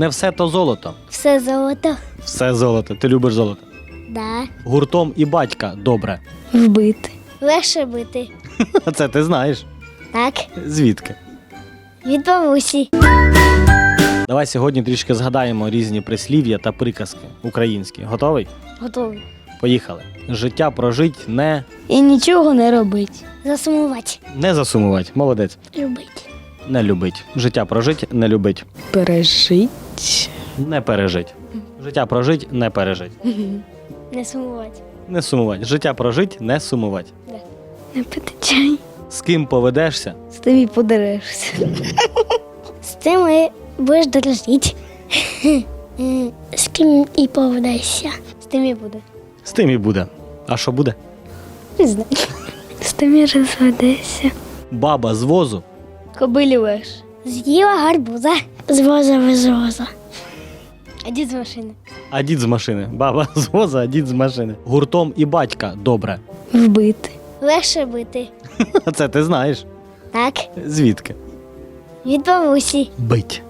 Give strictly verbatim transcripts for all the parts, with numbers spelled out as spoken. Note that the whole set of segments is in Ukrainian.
Не все то золото. Все золото. Все золото. Ти любиш золото. Да. Гуртом і батька добре. Вбити. Легше бити. Це ти знаєш. Так. Звідки? Від бабусі. Давай сьогодні трішки згадаємо різні прислів'я та приказки українські. Готовий? Готовий. Поїхали. Життя прожить не... І нічого не робить. Засумувати. Не засумувати. Молодець. Любить. Не любить. Життя прожить, не любить. Пережить. Не пережить. Життя прожить, не пережить. Не сумувати. Не сумувати. Життя прожить, не сумувати. Не пити чай. З ким поведешся? З тим і подерешся. З тим і будеш дорожити. З ким і поведешся. З тим і буде. З тим і буде. А що буде? Не знаю. З тим і розведешся. Баба з возу. Кобилі леш. З'їла гарбуза. З воза без воза. А дід з машини. А дід з машини. Баба з воза, а дід з машини. Гуртом і батька добре. Вбити. Легше бити. Це ти знаєш. Так. Звідки? Від бабусі. Бить.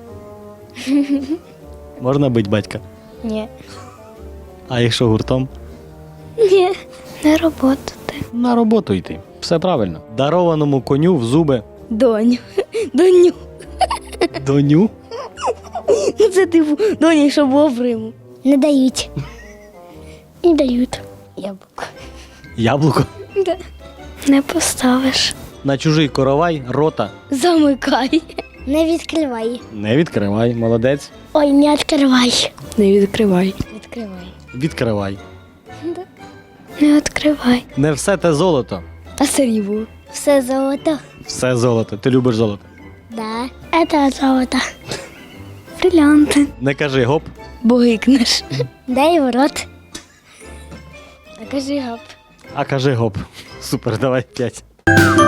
Можна бить батька? Ні. А якщо гуртом? Ні. На роботу ти. На роботу йти. Все правильно. Дарованому коню в зуби. Доню. Доню. Доню. Ну це типу доні, що було в Риму. Не дають. Не дають. Яблуко. Яблуко. Да. Не поставиш. На чужий коровай рота. Замикай. Не відкривай. Не відкривай. Молодець. Ой, не відкривай. Не відкривай. Відкривай. Відкривай. Да. Не відкривай. Не все те золото. А срібло? Все золото. Все золото. Ти любиш золото. Да. Это золото. Бриллианты. Не кажи гоп. Бо гикнеш. Дай в рот. А кажи гап. А кажи гоп. Супер, давай п'ять.